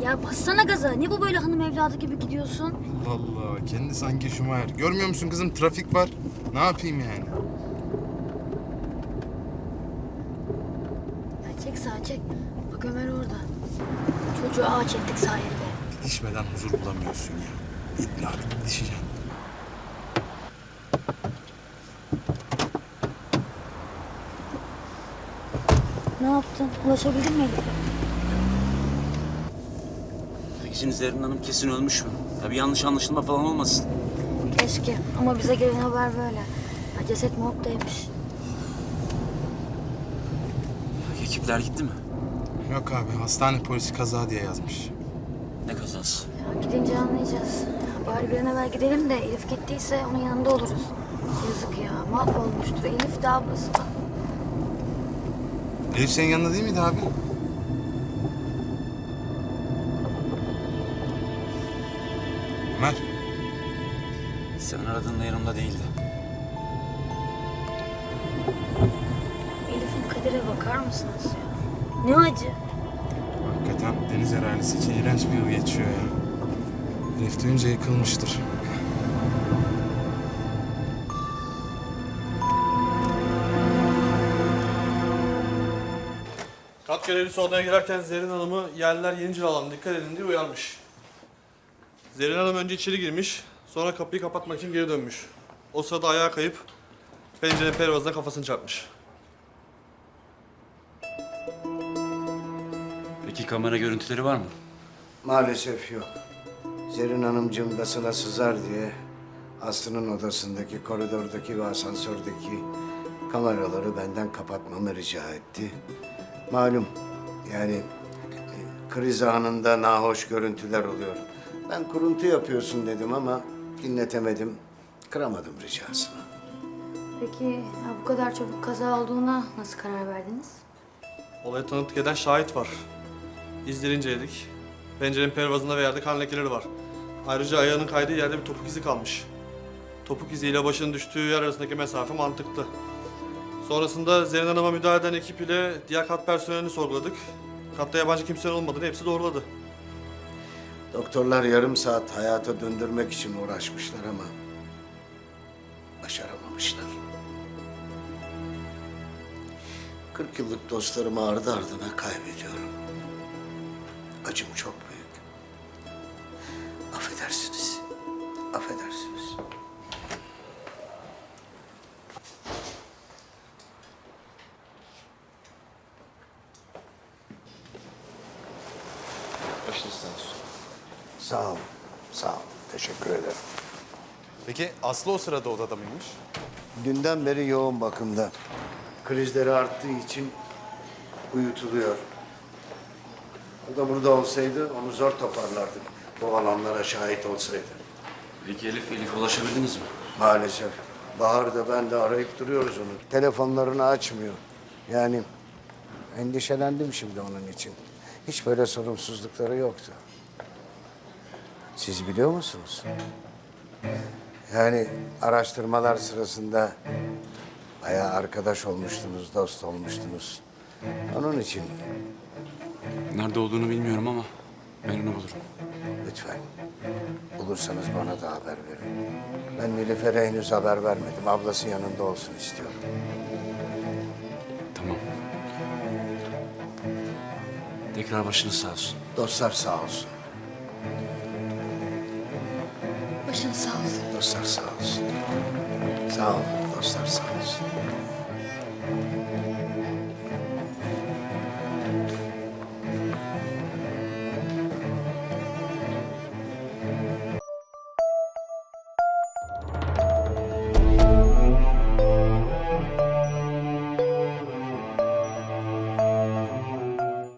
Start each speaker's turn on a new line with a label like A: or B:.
A: Ya bassana gaza. Ne bu böyle hanım evladı gibi gidiyorsun?
B: Allah Allah. Kendi sanki Schumacher. Görmüyor musun kızım? Trafik var. Ne yapayım yani?
A: Ya çek sağa çek. Bak Ömer orada. Çocuğu ağaç ettik sayende.
B: Didişmeden huzur bulamıyorsun ya. İlla bir didişeceksin.
A: Ne yaptın? Ulaşabildin mi Elif'e?
C: Peki şimdi Zerrin Hanım kesin ölmüş mü? Ya bir yanlış anlaşılma falan olmasın.
A: Keşke. Ama bize gelen haber böyle. Ya ceset morgdaymış.
C: Ekipler gitti mi?
B: Yok abi. Hastane polisi kaza diye yazmış.
C: Ne kazası?
A: Ya gidince anlayacağız. Ya bari bir an evvel gidelim de Elif gittiyse onun yanında oluruz. Yazık ya. Mahvolmuştur. Elif de ablası da.
B: Elif senin yanında değil miydi abi? Ömer.
C: Sen aradığında yanımda değildi.
A: Elif'in kadere bakar mısınız ya? Ne acı.
B: Hakikaten deniz arazisi için iğrenç bir yıl geçiyor ya. Elif duyunca yıkılmıştır.
D: Kat görevlisi odaya girerken Zerrin Hanım'ı yerliler Yenicil alanına dikkat edin diye uyarmış. Zerrin Hanım önce içeri girmiş, sonra kapıyı kapatmak için geri dönmüş. O sırada ayağa kayıp pencerenin pervazına kafasını çarpmış.
C: Peki kamera görüntüleri var mı?
E: Maalesef yok. Zerrin Hanımcığım gasına sızar diye Aslı'nın odasındaki, koridordaki ve asansördeki kameraları benden kapatmamı rica etti. Malum yani kriz anında nahoş görüntüler oluyor. Ben kuruntu yapıyorsun dedim ama dinletemedim, kıramadım ricasını.
A: Peki ya bu kadar çabuk kaza olduğuna nasıl karar verdiniz?
D: Olaya tanıklık eden şahit var. İzleri inceledik. Pencerenin pervazında ve yerde kan lekeleri var. Ayrıca ayağının kaydığı yerde bir topuk izi kalmış. Topuk iziyle başının düştüğü yer arasındaki mesafe mantıklı. Sonrasında Zerrin Hanım'a müdahale eden ekip ile diğer kat personelini sorguladık. Katta yabancı kimsenin olmadığını hepsi doğruladı.
E: Doktorlar yarım saat hayata döndürmek için uğraşmışlar ama başaramamışlar. 40 yıllık dostlarımı ardı ardına kaybediyorum. Acım çok büyük. Affedersiniz. Affedersiniz.
B: Başınız sağ olsun.
E: Sağ olun. Sağ olun. Teşekkür ederim.
B: Peki Aslı o sırada odada mıymış?
E: Dünden beri yoğun bakımda. Krizleri arttığı için uyutuluyor. O da burada olsaydı onu zor toparlardık. Bu olanlara şahit olsaydı.
C: Peki Elif'e ulaşabildiniz mi?
E: Maalesef. Bahar da ben de arayıp duruyoruz onu. Telefonlarını açmıyor. Yani endişelendim şimdi onun için. Hiç böyle sorumsuzlukları yoktu. Siz biliyor musunuz? Yani araştırmalar sırasında bayağı arkadaş olmuştunuz, dost olmuştunuz. Onun için
C: Nerede olduğunu bilmiyorum ama ben onu bulurum.
E: lütfen bulursanız bana da haber verin. Ben Nilüfer'e henüz haber vermedim. Ablası yanında olsun istiyorum.
C: Tamam. Tekrar başınız sağ olsun.
E: Dostlar sağ olsun.
A: Başın sağ olsun.
E: Dostlar sağ olsun. Sağ olun. Dostlar sağ olsun.